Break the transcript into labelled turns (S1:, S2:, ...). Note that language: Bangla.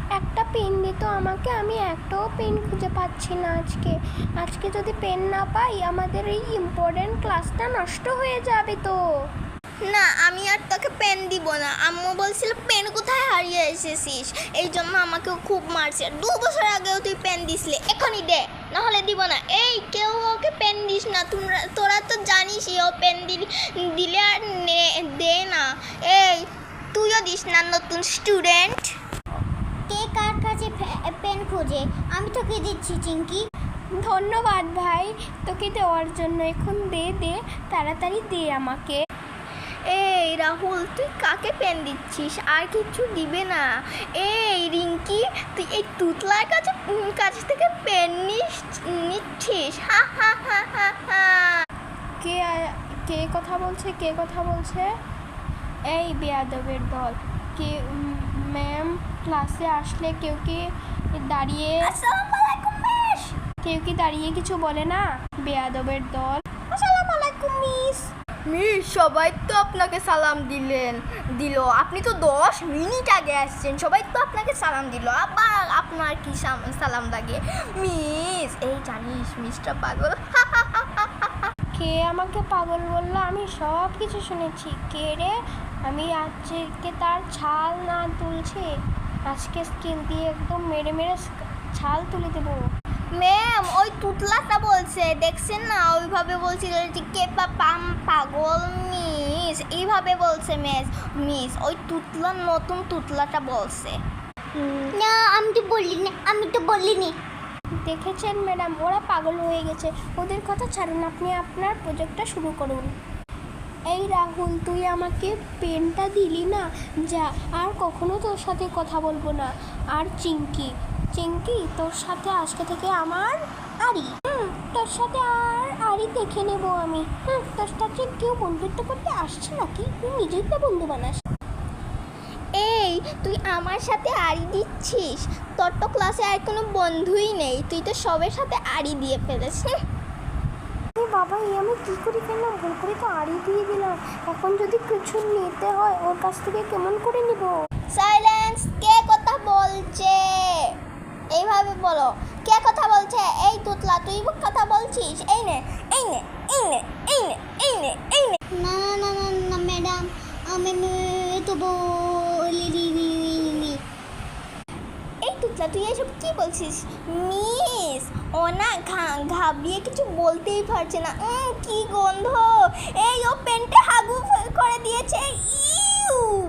S1: একটা পেন দিত আমাকে, আমি একটাও পেন খুঁজে পাচ্ছি না আজকে যদি পেন না পাই আমাদের এই ইম্পর্টেন্ট ক্লাসটা নষ্ট হয়ে যাবে তো।
S2: না, আমি আর তোকে পেন দিব না। আম্মু বলছিল পেন কোথায় হারিয়ে এসেছিস, এই জন্য আমাকেও খুব মারছে। 2 বছর আগেও তুই পেন দিসলে, এখনই দে, নাহলে দিব না। এই কেউ ওকে পেন দিস না, তোরা তো জানিসই ও পেন দিলে আর দে না। এই তুইও দিস না, নতুন স্টুডেন্ট।
S3: কে কার কাছে পেন খোঁজে? আমি তোকে দিচ্ছি চিঙ্কি।
S1: ধন্যবাদ ভাই তোকে দেওয়ার জন্য। এখন দে তাড়াতাড়ি দে আমাকে।
S2: এই রাহুল, তুই কাকে পেন দিচ্ছিস? আর কিছু দিবে না? এই রিঙ্কি, তুই এই তুতলার কাছ থেকে পেন নিচ্ছিস? হা হা হা হা হা।
S1: কে কথা বলছে? এই বেয়াদবের দল। কে ম্যাম ক্লাসে আসলে কেউ কি দাঁড়িয়ে
S2: আসসালামু আলাইকুম মিস।
S1: কেউ কি দাঁড়িয়ে কিছু বলে না? বেয়াদবের দল। আসসালামু আলাইকুম মিস।
S2: মিস, সবাই তো আপনাকে সালাম দিল। আপনি তো 10 মিনিট আগে আসছেন, সবাই তো আপনাকে সালাম দিল, আবার আপনার কি সালাম লাগে? মিস, এই জানিস মিসটা পাগল।
S1: কে আমাকে পাগল বললো? আমি সব কিছু শুনেছি। কে রে? আমি আজকে তার ছাল না তুলছি, আজকে স্কিন দিয়ে একদম মেরে ছাল তুলে দেবো।
S2: ম্যাম, ওই তুতলাটা বলছে, দেখছেন না? ওইভাবে বলছিল যে কে পাগল মিস, এইভাবে বলছে মিস। ওই নতুন তুতলাটা বলছে।
S3: না, আমি তো বলিনি।
S1: দেখেছেন ম্যাডাম, ওরা পাগল হয়ে গেছে। ওদের কথা ছাড়ুন, আপনি আপনার প্রজেক্টটা শুরু করুন। এই রাহুল, তুই আমাকে পেনটা দিলি না, যা, আর কখনো তোর সাথে কথা বলবো না। আর চিঙ্কি, তোর সাথে আজকে থেকে আমার আড়ি। তোর সাথে আর আড়ি দেখে নেব আমি। তোর সাথে কেউ বন্ধুত্ব করতে আসছে নাকি? তুই নিজেই তো বন্ধু বানাস।
S2: এই তুই আমার সাথে আড়ি দিচ্ছিস? তোর তো ক্লাসে আর কোনো বন্ধুই নেই, তুই তো সবার সাথে আড়ি দিয়ে ফেলেছিস।
S1: বাবা, আমি কী করে ফেললাম? ভুল করে তো আড়ি দিয়ে দিলাম। এখন যদি কিছু নিতে হয় ওর কাছ থেকে কেমন করে নিব?
S2: সাইলেন্স। কে কথা বলছে? এইভাবে বলো, কে কথা বলছে? এই তুতলা, তুই কথা বলছিস? এই নে।
S3: না ম্যাডাম, আমি তো বলিনি।
S2: এই তুতলা, তুই এসব কি বলছিস? মিস, ও না ঘাবড়িয়ে কিছু বলতেই পারছে না। কি গন্ধ! এই ও পেনটা হাগু করে দিয়েছে। ইউ।